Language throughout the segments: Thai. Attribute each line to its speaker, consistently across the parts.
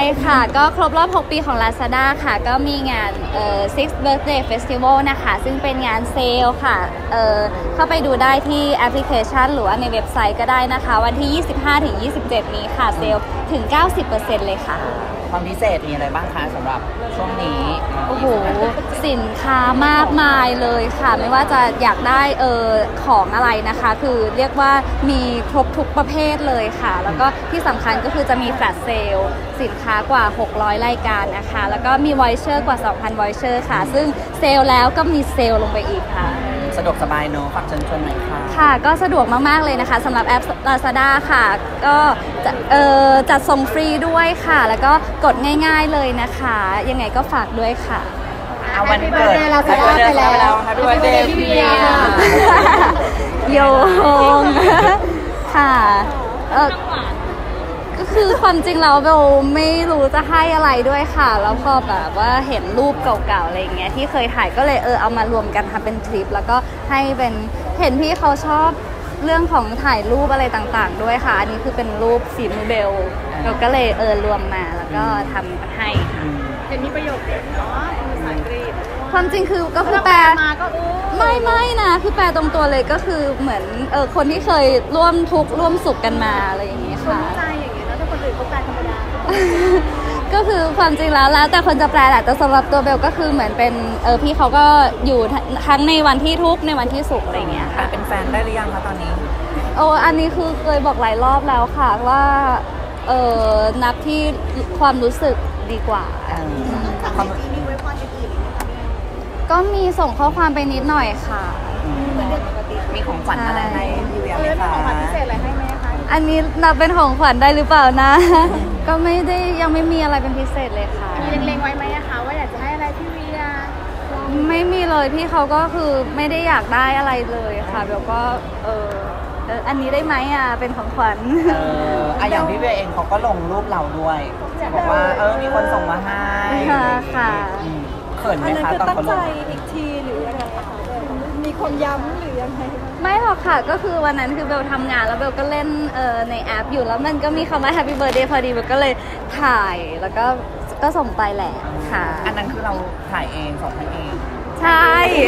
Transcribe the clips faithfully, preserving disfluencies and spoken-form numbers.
Speaker 1: ค่ะก็ครบรอบหกปีของ Lazada ค่ะก็มีงานเอ่อ sixth birthday festival นะคะซึ่งเป็นงานเซลล์ค่ะเอ่อเข้าไปดูได้ที่แอปพลิเคชันหรือว่าในเว็บไซต์ก็ได้นะคะวันที่ ยี่สิบห้าถึงยี่สิบเจ็ด นี้ค่ะเซลล์ถึง เก้าสิบเปอร์เซ็นต์ เลยค่ะ
Speaker 2: ความพิเศษมีอะไรบ้างคะสำหรับช่วงนี้
Speaker 1: โอ้โหสินค้ามากมายเลยค่ะไม่ว่าจะอยากได้เออของอะไรนะคะคือเรียกว่ามีครบทุกประเภทเลยค่ะแล้วก็ที่สำคัญก็คือจะมีแฟลชเซลล์สินค้ากว่าหกร้อยรายการนะคะแล้วก็มีวอยเชอร์กว่า สองพัน วอยเชอร์ค่ะซึ่งเซลล์แล้วก็มีเซลล์ลงไปอีกค่ะ
Speaker 2: สะดวกสบายเนอะฝากเชิญชวนหน่อยค่ะ
Speaker 1: ค่ะก็สะดวกมากๆเลยนะคะสำหรับแอป Lazada ค่ะก็จะเอ่อจัดส่งฟรีด้วยค่ะแล้วก็กดง่ายๆเลยนะคะยังไงก็ฝากด้วยค่ะ
Speaker 2: เอาวันเกิด
Speaker 3: เราจะได้ไปแล้ว
Speaker 2: ค่ะด้วยเดย์พี่เบียร์
Speaker 1: โยงค่ะเออก็คือความจริงเราเบลไม่รู้จะให้อะไรด้วยค่ะแล้วพอแบบว่าเห็นรูปเก่าๆอะไรอย่างเงี้ยที่เคยถ่ายก็เลยเออเอามารวมกันทำเป็นคลิปแล้วก็ให้เป็นเห็นพี่เขาชอบเรื่องของถ่ายรูปอะไรต่างๆด้วยค่ะอันนี้คือเป็นรูปฝีมือเบลเราก็เลยเออรวมมาแล้วก็ทำให้ค่ะ
Speaker 3: เห็นมีประโยคเด็ดเนาะภาษาอังกฤษ
Speaker 1: ความจริงคือก็คือแปลไม่ไม่นะคือแปลตรงตัวเลยก็คือเหมือนเออคนที่เคยร่วมทุกข์ร่วมสุขกันมาอะไรอย่างเงี้ยค่ะ
Speaker 3: ใจอย่างเงี้ยแล้วถ้าคนอื่นเขาแปลธรรมดา
Speaker 1: ก็คือความจริงแล้วแล้วแต่คนจะแปลแหละแต่สำหรับตัวเบลก็คือเหมือนเป็นเออพี่เขาก็อยู่ทั้งในวันที่ทุกข์ในวันที่สุขอะไรเงี้ยค่ะ
Speaker 2: เป็นแฟนได้หรือยังคะตอนนี้
Speaker 1: โอ้อันนี้คือเคยบอกหลายรอบแล้วค่ะว่าเออนับที่ความรู้สึกดีกว่า
Speaker 3: ความมีไว้พรอื่น
Speaker 1: ก็มีส่งข้อความไปนิดหน่อยค่ะ
Speaker 2: มีของขวัญอะไรให้พี่เวียไหมคะ
Speaker 3: มีของขวัญพิเศษอะไรให้ไหมคะ
Speaker 1: อันนี้นับเป็นของขวัญได้หรือเปล่านะก็ไม่ได้ยังไม่มีอะไรเป็นพิเศษเลยค่ะ
Speaker 3: มีเล็งๆไว้ไหมคะว่าอยากจะให้อะไรพี่เวีย
Speaker 1: ไม่มีเลยพี่เขาก็คือไม่ได้อยากได้อะไรเลยค่ะเบลก็เอออันนี้ได้ไหมอ่ะเป็นของขวัญ
Speaker 2: เอออะอย่างพี่เวียเองเขาก็ลงรูปเราด้วยบอกว่าเออมีคนส่งมาให้
Speaker 1: ค่ะค่ะ
Speaker 2: เขินไหมคะตอนเขาลง
Speaker 3: อีกทีหรืออะไรคะมีคนย้ำหรือยังไง
Speaker 1: ไม่หรอกค่ะก็คือวันนั้นคือเบลทำงานแล้วเบลก็เล่นเอ่อในแอปอยู่แล้วมันก็มีคำว่า Happy Birthday พอดีเบลก็เลยถ่ายแล้วก็ก็ส่งไปแหละค่ะ
Speaker 2: อันนั้นคือเราถ่ายเองส่งให้เอง
Speaker 1: ใช่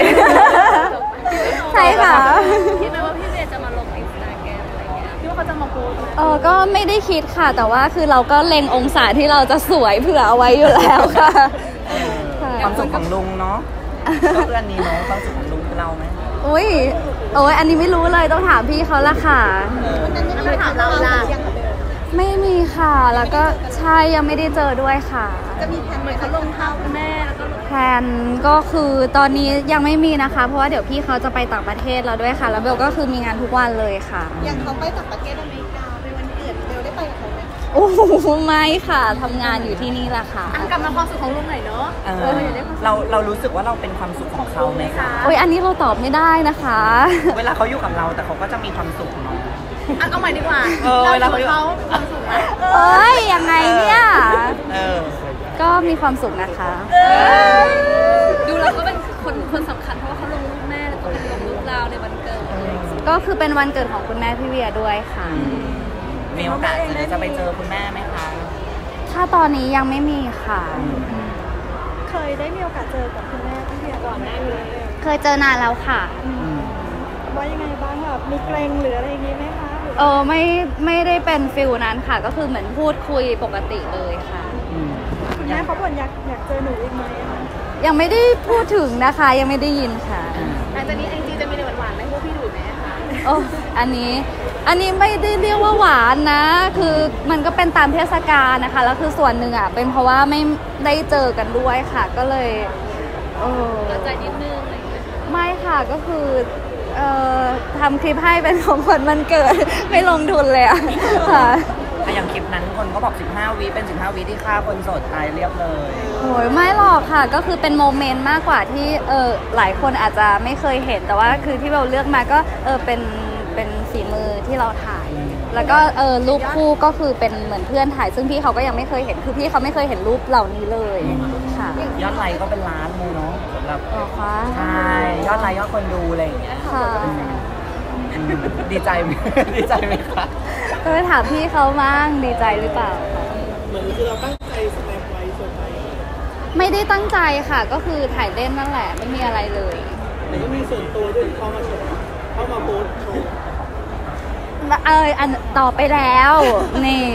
Speaker 1: ใช่ค่ะ
Speaker 3: คิดไหมว่าพี่เวียจะมาลงอินสตาแกรมอะไรเงี้ยคิดว่าเขาจะมาโพสต์
Speaker 1: เออก็ไม่ได้คิดค่ะแต่ว่าคือเราก็เล็งองศาที่เราจะสวยเผื่อเอาไว้อยู่แล้วค่ะ
Speaker 2: ความสุขของลุงเนาะก็เพื่อนนี้เนาะความสุขของลุงคือเราไหม
Speaker 1: อุ้ยโอ้ยอันนี้ไม่รู้เลยต้องถามพี่เขาละค่ะ
Speaker 3: วันนั้นยังไม่ถามเราละ
Speaker 1: ไม่มีค่ะแล้วก็ใช่ยังไม่ได้เจอด้วยค่ะ
Speaker 3: จะมีแผนเหมือนเขาลงเท้าคุณแม่แล้วก็
Speaker 1: แผนก็คือตอนนี้ยังไม่มีนะคะเพราะว่าเดี๋ยวพี่เขาจะไปต่างประเทศแล้วด้วยค่ะแล้วเบลก็คือมีงานทุกวันเลยค่ะ
Speaker 3: อย่างเขาไปต่างประเทศอเมริกาในวันเกิดเบลได้ไปกับเขาไหม
Speaker 1: โอ้โหไม่ค่ะทำงานอยู่ที่นี่แหละค่ะ
Speaker 3: กลับมาความสุขของลุงหน่อยเนาะ
Speaker 2: เราเรารู้สึกว่าเราเป็นความสุขของเขาไหมคะ
Speaker 1: โอ้ยอันนี้เราตอบไม่ได้นะคะ
Speaker 2: เวลาเขาอยู่กับเราแต่เขาก็จะมีความสุขเนาะ
Speaker 3: เอาใหม่ดีกว่า
Speaker 2: เวลาเขา
Speaker 3: เขาความสุขไหม
Speaker 1: เอ้ยยังไงเนี่ย
Speaker 2: เออ
Speaker 1: ก็มีความสุขนะคะ
Speaker 3: ดูแล้วก็เป็นคนคนสำคัญเพราะว่าเขาลงรูปแม่แล้วก็เป็นลงรูปเราในวันเกิด
Speaker 1: ก็คือเป็นวันเกิดของคุณแม่พี่เวียด้วยค่ะ
Speaker 2: มีโอกาสจะไปเจอคุณแม่ไหมคะ
Speaker 1: ถ้าตอนนี้ยังไม่มีค่ะ
Speaker 3: เคยได้มีโอกาสเจอกับคุณแม่พี่เวียก่อนหน้านี้
Speaker 1: เคยเจอนานแล้วค่ะ
Speaker 3: ว่ายังไงบ้างแบบมีเกรงหรืออะไรอย่างนี้ไหมคะ
Speaker 1: เออไม่ไม่ได้เป็นฟิลนั้นค่ะก็คือเหมือนพูดคุยปกติเลยค่ะ
Speaker 3: คุณแม่เขาบ่นอยากอยากเจอหนูอีกไหม
Speaker 1: ยังไม่ได้พูดถึงนะคะยังไม่ได้ยินค่ะ
Speaker 3: หลังจากนี้ไอจีจะมีหวานๆไหมพวกพี่ดูไหมคะ
Speaker 1: โอ้อันนี้อันนี้ไม่ได้เรียกว่าหวานนะคือมันก็เป็นตามเทศกาลนะคะแล้วคือส่วนหนึ่งอ่ะเป็นเพราะว่าไม่ได้เจอกันด้วยค่ะก็เลยเออ
Speaker 3: ใจนิดนึงอะไรอย่างเงี้ย
Speaker 1: ไม่ค่ะก็คือเอ่อทำคลิปให้เป็นของขวัญวันเกิดไม่ลงทุนเลยอะค่ะ
Speaker 2: อย่างคลิปนั้นคนก็บอกสิบห้าวิเป็นสิบห้าวิที่ฆ่าคนโสดตายเรียบเลย
Speaker 1: โอ้ยไม่หรอกค่ะก็คือเป็นโมเมนต์มากกว่าที่เออหลายคนอาจจะไม่เคยเห็นแต่ว่าคือที่เราเลือกมาก็เออเป็นเป็นฝีมือที่เราถ่ายแล้วก็เออรูปคู่ก็คือเป็นเหมือนเพื่อนถ่ายซึ่งพี่เขาก็ยังไม่เคยเห็นคือพี่เขาไม่เคยเห็นรูปเหล่านี้เลยค่ะ
Speaker 2: ยอดไลค์ก็เป็นล้านมูเนาะสำหรับ
Speaker 1: อ๋อคะ
Speaker 2: ใช่ยอดไลค์ยอดคนดูอะไรอย่างเงี้ย
Speaker 1: ค่ะ
Speaker 2: ดีใจไหมดีใจไหมคะ
Speaker 1: ก็ไปถามพี่เขามั่งดีใจหรือเปล่า
Speaker 3: เหมือนคือเราตั้งใจ
Speaker 1: ไม่ได้ตั้งใจค่ะก็คือถ่ายเล่นนั่นแหละไม่มีอะไรเลย
Speaker 4: แต่ก็มีส่วนตัวด้วยเข้ามาโชว์เข้ามาโพสโชว์
Speaker 1: เอออันต่อไปแล้วนี่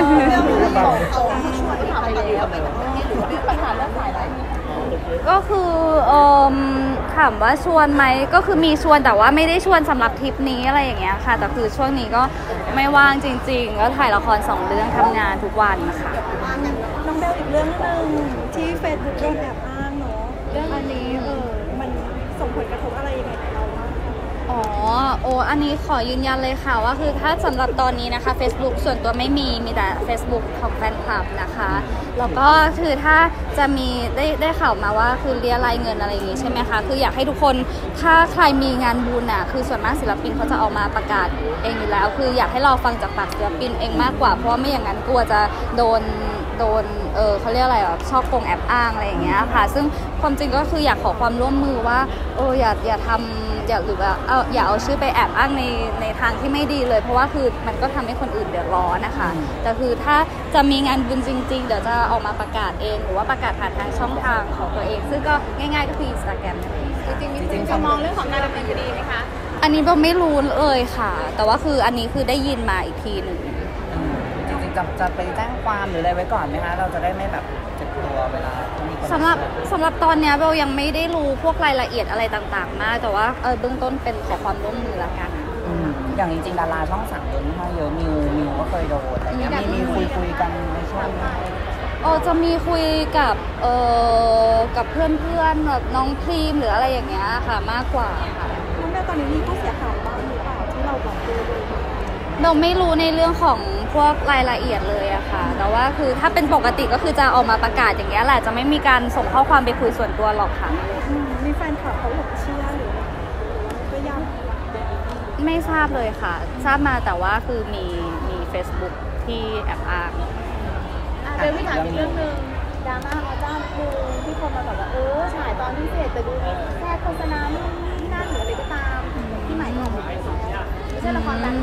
Speaker 1: ก็คือเออถามว่าชวนไหมก็คือมีชวนแต่ว่าไม่ได้ชวนสำหรับทริปนี้อะไรอย่างเงี้ยค่ะแต่คือช่วงนี้ก็ไม่ว่างจริงๆก็ถ่ายละครสองเรื่องทำงานทุกวันนะคะ
Speaker 5: น้องเบลอีกเรื่องนึงที่เฟซบุ๊กโดนแอบอ้างเนาะเรื่องอันนี้เออมันส่งผลกระทบอะไรยังไงกับเราบ้าง
Speaker 1: อ๋อโอ้อันนี้ขอยืนยันเลยค่ะว่าคือถ้าสำหรับตอนนี้นะคะ Facebook ส่วนตัวไม่มีมีแต่ Facebook ของแฟนคลับนะคะแล้วก็คือถ้าจะมีได้ได้ข่าวมาว่าคือเรียรายเงินอะไรอย่างงี้ใช่ไหมคะคืออยากให้ทุกคนถ้าใครมีงานบุญอ่ะคือส่วนมากศิลปินเขาจะออกมาประกาศเองอยู่แล้วคืออยากให้เราฟังจากปากศิลปินเองมากกว่าเพราะว่าไม่อย่างนั้นกลัวจะโดนโดนเออเขาเรียกอะไรอ่ะชอบโกงแอบอ้างอะไรอย่างเงี้ยค่ะซึ่งความจริงก็คืออยากขอความร่วมมือว่าเอออย่าอย่าทำอย่าหรือว่าเอาอย่าเอาชื่อไปแอบอ้างในในทางที่ไม่ดีเลยเพราะว่าคือมันก็ทำให้คนอื่นเดือดร้อนนะคะแต่คือถ้าจะมีงานบุญจริงๆเดี๋ยวจะออกมาประกาศเองหรือว่าประกาศผ่านทางช่องทางของตัวเองซึ่งก็ง่ายๆก็คือ Instagram นั่นเอง
Speaker 3: จริงๆจริงๆจะมองเรื่องของการดำเนินคดีไหมคะ
Speaker 1: อันนี้เราไม่รู้เลยค่ะแต่ว่าคืออันนี้คือได้ยินมาอีกทีหนึ่ง
Speaker 2: จริงๆจะจะไปแจ้งความหรืออะไรไว้ก่อนไหมคะเราจะได้ไม่แบบเจ็บตัวเวลาที่มีคน
Speaker 1: สำหรับสำหรับตอนนี้เบลยังไม่ได้รู้พวกรายละเอียดอะไรต่างๆมากแต่ว่าเออเบื้องต้นเป็นขอความร่วมมือละกัน
Speaker 2: อย่างจริงๆดาราช่องสามโดนมาเยอะมิวมิวก็เคยโดนอะไรเงี้ยมีมีคุยคุยกันในช่วง
Speaker 1: เออจะมีคุยกับเออกับเพื่อนๆแบบน้องพรีมหรืออะไรอย่างเงี้ยค่ะมากกว่าค่ะ
Speaker 5: น้องแม่ตอนนี้มีผู้เสียหายบ้างหรือเปล่าที่เราบอกดูเลย
Speaker 1: เราไม่รู้ในเรื่องของพวกรายละเอียดเลยอะค่ะแต่ว่าคือถ้าเป็นปกติก็คือจะออกมาประกาศอย่างเงี้ยแหละจะไม่มีการส่งข้อความไปคุยส่วนตัวหรอกค่ะ
Speaker 5: มีแฟนคลับเขาหลงเชื่อหรือก็ยัง
Speaker 1: ไม่ทราบเลยค่ะทราบมาแต่ว่าคือมีมี Facebook ที่แอบอ้าง
Speaker 3: เดี๋ยวพี่ถามอีกเรื่องนึงดราม่าอเจ้าคือที่คนมาแบบว่าเออฉายตอนพิเศษแต่ดูแค่โฆษณาไม่นี่นั่นหรืออะไรก็ตามที่หมายความว่าไม่ใช่ละครดัง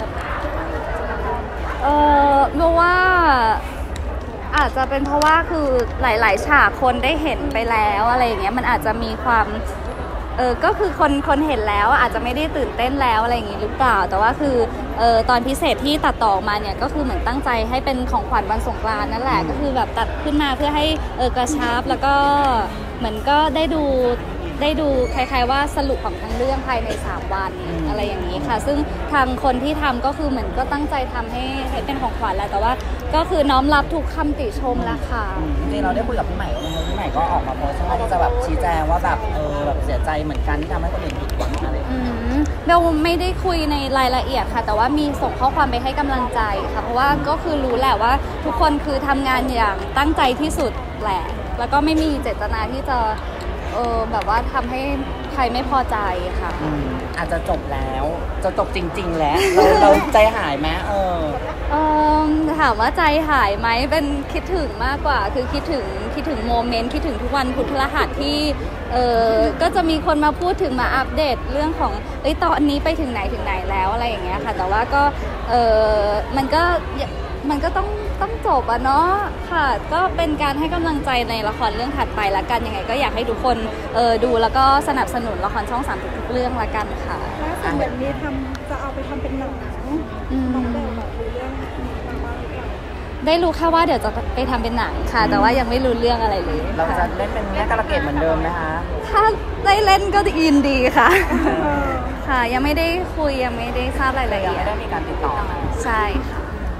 Speaker 1: เออรู้ว่าอาจจะเป็นเพราะว่าคือหลายๆฉากคนได้เห็นไปแล้วอะไรอย่างเงี้ยมันอาจจะมีความเออก็คือคนคนเห็นแล้วอาจจะไม่ได้ตื่นเต้นแล้วอะไรอย่างงี้หรือเปล่าแต่ว่าคือเออตอนพิเศษที่ตัดต่อมาเนี่ยก็คือเหมือนตั้งใจให้เป็นของขวัญวันสงกรานต์นั่นแหละก็คือแบบตัดขึ้นมาเพื่อให้เออกระชับแล้วก็เหมือนก็ได้ดูได้ดูคล้ายๆว่าสรุปของทั้งเรื่องภายในสามวันอะไรอย่างนี้ค่ะซึ่งทางคนที่ทำก็คือเหมือนก็ตั้งใจทำให้ให้เป็นของขวัญแล้วแต่ว่าก็คือน้อมรับทุกคำติชมแล้วค่ะ
Speaker 2: จริงๆเราได้คุยกับพี่ใหม่ว่าพี่ใหม่ก็ออกมาโพสต์ที่จะแบบชี้แจงว่าแบบเออแบบเสียใจเหมือนกันที่ทำให้คนอื่นผิดหวังอะไร
Speaker 1: เราไม่ได้คุยในรายละเอียดค่ะแต่ว่ามีส่งข้อความไปให้กำลังใจค่ะเพราะว่าก็คือรู้แหละว่าทุกคนคือทำงานอย่างตั้งใจที่สุดแหละแล้วก็ไม่มีเจตนาที่จะเออแบบว่าทำให้ใครไม่พอใจค่ะ
Speaker 2: อาจจะจบแล้วจะจบจริงๆแล้วเราเราใจหายไหมเออ
Speaker 1: เออถามว่าใจหายไหมเป็นคิดถึงมากกว่าคือคิดถึงคิดถึงโมเมนต์คิดถึงทุกวันพุธพฤหัสที่เออก็จะมีคนมาพูดถึงมาอัปเดตเรื่องของเอ้ยตอนนี้ไปถึงไหนถึงไหนแล้วอะไรอย่างเงี้ยค่ะแต่ว่าก็เออมันก็มันก็ต้องต้องจบอะเนาะค่ะก็เป็นการให้กำลังใจในละครเรื่องถัดไปละกันยังไงก็อยากให้ทุกคนเออดูแล้วก็สนับสนุนละครช่องสามทุกเรื่องละกันค่ะ
Speaker 5: ล่าสุดแบบนี้ทำจะเอาไปทำเป็นหนังน้องเบลแบบรู้เรื่องมาบ้างหรือเปล่า
Speaker 1: ได้รู้แค่ว่าเดี๋ยวจะไปทำเป็นหนังค่ะแต่ว่ายังไม่รู้เรื่องอะไรเลย
Speaker 2: เราจะเล่นเป็นแม่กระเกดเหมือนเดิมไหมคะ
Speaker 1: ถ้าได้เล่นก็ยินดีค่ะค่ะยังไม่ได้คุยยังไม่ได้ทราบรายละเอียด
Speaker 2: ไม่ได้มีการติดต่อ
Speaker 1: ใช่ค่ะ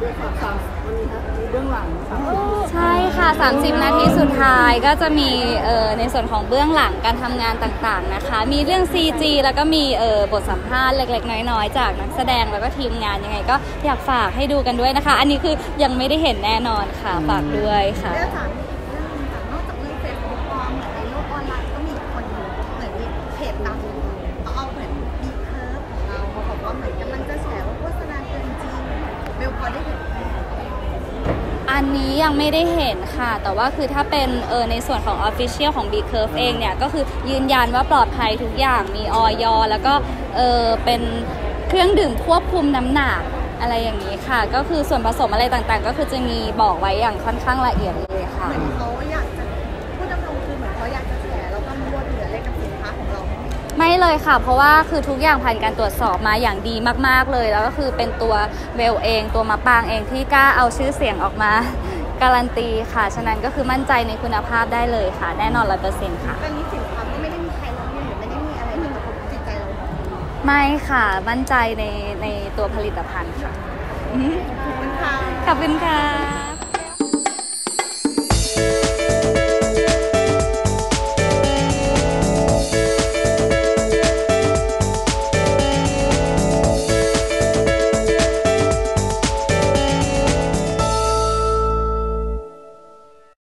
Speaker 1: ใช่ค่ะสามสิบนาทีสุดท้ายก็จะมีเอ่อในส่วนของเบื้องหลังการทำงานต่างๆนะคะมีเรื่อง ซี จี แล้วก็มีเอ่อบทสัมภาษณ์เล็กๆน้อยๆจากนักแสดงแล้วก็ทีมงานยังไงก็อยากฝากให้ดูกันด้วยนะคะอันนี้คือยังไม่ได้เห็นแน่นอนค่ะฝากด้วยค่ะ
Speaker 3: นอกจากเรื่องเฟซบุ๊กปลอมเหมือนในโลกออนไลน์ก็มีคนเหมือนมีเพจดังเขาเอาเหมือนบีเคิร์ฟของเราเขาบอกว่าเหมือนกำลังจะแฉว่าโฆษณาเกินจริงเบลพอได้เห็น
Speaker 1: อันนี้ยังไม่ได้เห็นค่ะแต่ว่าคือถ้าเป็นเออในส่วนของ Official ของ B Curve เองเนี่ยก็คือยืนยันว่าปลอดภัยทุกอย่างมีอย.แล้วก็เออเป็นเครื่องดื่มควบคุมน้ำหนักอะไรอย่างนี้ค่ะก็คือส่วนผสมอะไรต่างๆก็คือจะมีบอกไว้อย่างค่อนข้างละเอียดเลยค่ะ
Speaker 3: เหมือนเขาอยากจะพูดเขาอยากจะแชร์เรากังวลหรืออะไรกับสินค้าของเราไหม
Speaker 1: ไม่เลยค่ะ เพราะว่าคือทุกอย่างผ่านการตรวจสอบมาอย่างดีมากๆเลย แล้วก็คือเป็นตัวเบลเองตัวมะปางเองที่กล้าเอาชื่อเสียงออกมาการันตีค่ะฉะนั้นก็คือมั่นใจในคุณภาพได้เลยค่ะแน่นอนร้อยเปอร์เซ็นต์ค่ะ
Speaker 3: ตอนนี้สินค้าก็ไม่ได้มีใครร้องเรียนหรือไม่ได้มีอะไรที่กระทบจิตใจเรา
Speaker 1: ไม่ค่ะมั่นใจในในตัวผลิตภัณฑ์ค่ะ
Speaker 3: ขอบคุณค่ะ
Speaker 1: ขอบคุณค่ะ